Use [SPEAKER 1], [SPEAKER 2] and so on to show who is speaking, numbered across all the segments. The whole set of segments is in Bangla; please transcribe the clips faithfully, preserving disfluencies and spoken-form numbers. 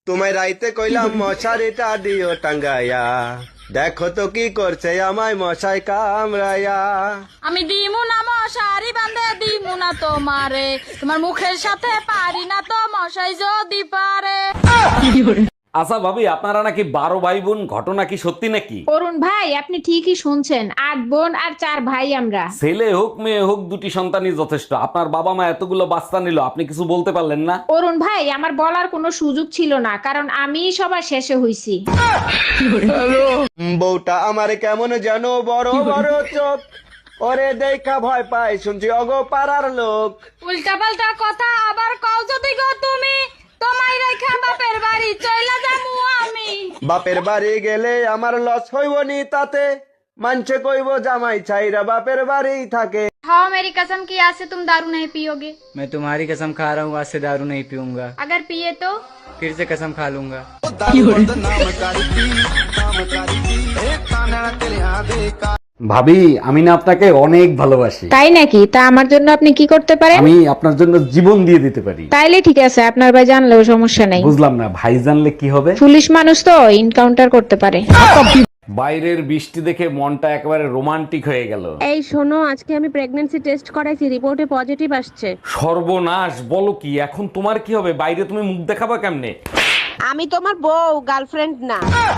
[SPEAKER 1] তোমায় রাইতে কইলাম মশারিটা দিও টাঙ্গাইয়া, দেখো তো কি করছে আমায় মশাই কামড়াইয়া।
[SPEAKER 2] আমি দিমু না মশারি বান্ধে দিমু না তোমারে, তোমার মুখের সাথে পারি না তো মশাই যদি পারে।
[SPEAKER 3] আচ্ছা ভাবি, আপনারা নাকি বারো ভাই বোন, ঘটনা কি সত্যি নাকি?
[SPEAKER 4] অরুণ ভাই, আপনি ঠিকই শুনছেন, আট বোন আর চার ভাই আমরা।
[SPEAKER 3] ছেলে হোক মেয়ে হোক, দুটি সন্তানই যথেষ্ট। আপনার বাবা মা এতগুলো বাচ্চা নিল, আপনি কিছু বলতে পারলেন না?
[SPEAKER 4] অরুণ ভাই, আমার বলার কোনো সুযোগ ছিল না, কারণ আমি সবার শেষে হইছি।
[SPEAKER 1] বউটা আমার কেমন যেন বড় বড় চোখ, ওরে দেখা ভয় পাই শুনছি অগো পাড়ার লোক।
[SPEAKER 2] উল্টা পাল্টা কথা আবার কও যদি গো তুমি, তোমায় রেখা বাপের বাড়ি চইলা যামু আমি।
[SPEAKER 1] বাপের বাড়ি গেলে আমার লস হইব নি তাতে, মানছে কইব জামাই ছাইরা বাপের বাড়ি থাকে।
[SPEAKER 5] हाँ मेरी कसम की आज से तुम दारू नहीं पियोगे।
[SPEAKER 6] मैं तुम्हारी कसम खा रहा हूँ, आज से दारू नहीं पीऊंगा।
[SPEAKER 5] अगर पिए तो
[SPEAKER 6] फिर से कसम खा लूंगा।
[SPEAKER 3] ভাবি, আমি না আপনাকে অনেক ভালোবাসি।
[SPEAKER 4] তাই নাকি? তা আমার জন্য আপনি কি করতে পারেন?
[SPEAKER 3] আমি আপনার জন্য জীবন দিয়ে দিতে পারি।
[SPEAKER 4] তাইলে ঠিক আছে, আপনার ভাই জানলেও সমস্যা নাই।
[SPEAKER 3] বুঝলাম না, ভাই জানলে কি হবে?
[SPEAKER 4] পুলিশ মানুষ তো এনকাউন্টার করতে পারে।
[SPEAKER 3] বাইরের বৃষ্টি দেখে মনটা একেবারে রোমান্টিক হয়ে গেল।
[SPEAKER 7] এই শোনো, আজকে আমি প্রেগন্যান্সি টেস্ট করাইছি, রিপোর্টে পজিটিভ আসছে।
[SPEAKER 3] সর্বনাশ, বলো কি? এখন তোমার কি হবে? বাইরে তুমি মুখ দেখাবা কেমনে?
[SPEAKER 7] আমি তোমার বউ, গার্লফ্রেন্ড না।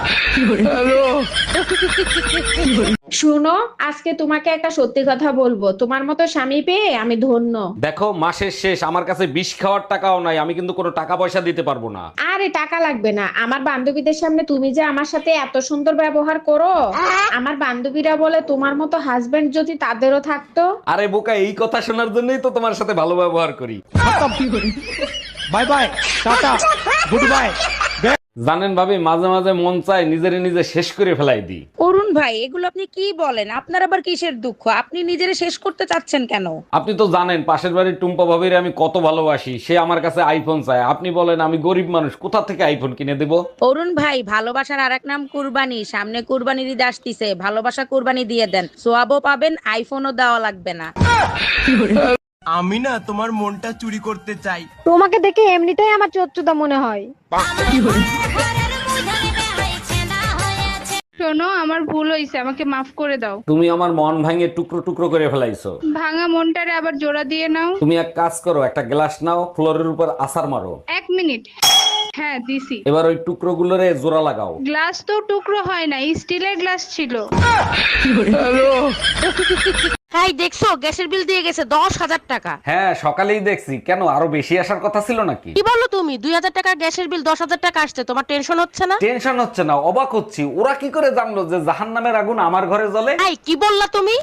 [SPEAKER 4] শুনো, আজকে তোমাকে একটা সত্যি কথা বলবো, তোমার মতো স্বামী পেয়ে আমি ধন্য।
[SPEAKER 3] দেখো, মাসের শেষ, আমার কাছে বিষ খাওয়ার টাকাও নাই, আমি কিন্তু কোনো টাকা পয়সা দিতে পারবো না।
[SPEAKER 4] আরে টাকা লাগবে না, আমার বান্ধবীদের সামনে তুমি যে আমার সাথে এত সুন্দর ব্যবহার করো, আমার বান্ধবীরা বলে তোমার মতো হাজবেন্ড যদি তাদেরও থাকতো।
[SPEAKER 3] আরে বোকা, এই কথা শোনার জন্যই তো তোমার সাথে ভালো ব্যবহার করি।
[SPEAKER 6] Bye bye, tata, goodbye.
[SPEAKER 3] জানেন ভাবি, মাঝে মাঝে মন চায় নিজেরে নিজে শেষ করে ফেলাই দিই।
[SPEAKER 8] অরুণ ভাই, এগুলো আপনি কি বলেন? আপনার আবার কিসের দুঃখ? আপনি নিজেরে শেষ করতে চাচ্ছেন কেন?
[SPEAKER 3] আপনি তো জানেন পাশের বাড়ির টুম্পা ভাবির আমি কত ভালোবাসি, সে আমার কাছে আইফোন চায়। আপনি বলেন আমি গরিব মানুষ, কোথা থেকে আইফোন কিনে দেব?
[SPEAKER 8] অরুণ ভাই, ভালোবাসার আরেক নাম কুরবানি। সামনে কুরবানির ঈদ আসতিছে, ভালোবাসা কুরবানি দিয়ে দেন, সোয়াবও পাবেন, আইফোনও দেওয়া লাগবে না।
[SPEAKER 9] আমি না তোমার মনটা চুরি করতে চাই।
[SPEAKER 7] তোমাকে দেখে এমনিতেই আমার চোদ্দটা মনে হয়।
[SPEAKER 2] শোনো, আমার ভুল হইছে, আমাকে মাফ করে দাও।
[SPEAKER 3] তুমি আমার মন ভাঙে টুকরো টুকরো করে ফেলাইছো।
[SPEAKER 2] ভাঙা মনটারে আবার জোড়া দিয়ে নাও।
[SPEAKER 3] তুমি এক কাজ করো, একটা গ্লাস নাও, ফ্লোরের উপর আছাড় মারো।
[SPEAKER 2] এক মিনিট। হ্যাঁ দিছি।
[SPEAKER 3] এবার ওই টুকরো গুলোরে জোড়া লাগাও।
[SPEAKER 2] গ্লাস তো টুকরো হয় না, স্টিলের গ্লাস ছিল।
[SPEAKER 8] হাই, দেখছো গ্যাসের বিল দিয়ে গেছে দশ হাজার টাকা।
[SPEAKER 3] হ্যাঁ, সকালেই দেখছি। কেন, আরো বেশি আসার কথা ছিল নাকি?
[SPEAKER 8] কি বলো তুমি? দুই হাজার টাকার গ্যাসের বিল দশ হাজার টাকা আসছে, তোমার টেনশন হচ্ছে না?
[SPEAKER 3] টেনশন হচ্ছে না, অবাক হচ্ছি। ওরা কি করে জানলো যে জাহান্নামের আগুন আমার ঘরে জ্বলে?
[SPEAKER 8] হাই, কি বললা তুমি?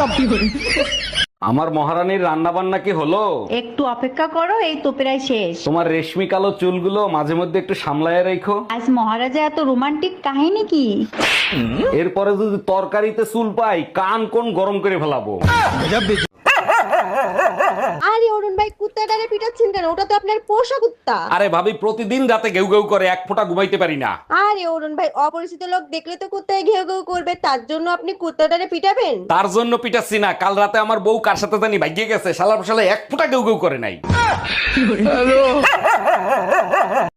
[SPEAKER 3] আমার মহারানীর রান্না বান্না কি হলো?
[SPEAKER 10] একটু অপেক্ষা করো, এই তো প্রায় শেষ।
[SPEAKER 3] তোমার রেশমি কালো চুলগুলো মাঝে মধ্যে একটু সামলায় রেখো।
[SPEAKER 10] আজ মহারাজা এত রোমান্টিক কাহিনী কি?
[SPEAKER 3] এরপরে যদি তরকারিতে চুল পাই, কান কোন গরম করে ফেলাবো।
[SPEAKER 7] আরে অরুণ ভাই, কুত্তাটারে পিটাচ্ছেন কেন? ওটা তো আপনার পোষা কুত্তা।
[SPEAKER 3] আরে ভাবি, প্রতিদিন রাতে ঘেউ ঘেউ করে, এক ফোঁটা ঘুমাইতে পারি না।
[SPEAKER 7] আরে অরুণ ভাই, অপরিচিত লোক দেখলে তো কুত্তায় ঘেউ ঘেউ করবে, তার জন্য আপনি কুত্তাটারে পিটাবেন?
[SPEAKER 3] তার জন্য পিটাচ্ছি না, কাল রাতে আমার বউ কার সাথে জানি ভাগিয়ে গেছে, শালা শালা এক ফোঁটা ঘেউ ঘেউ করে নাই।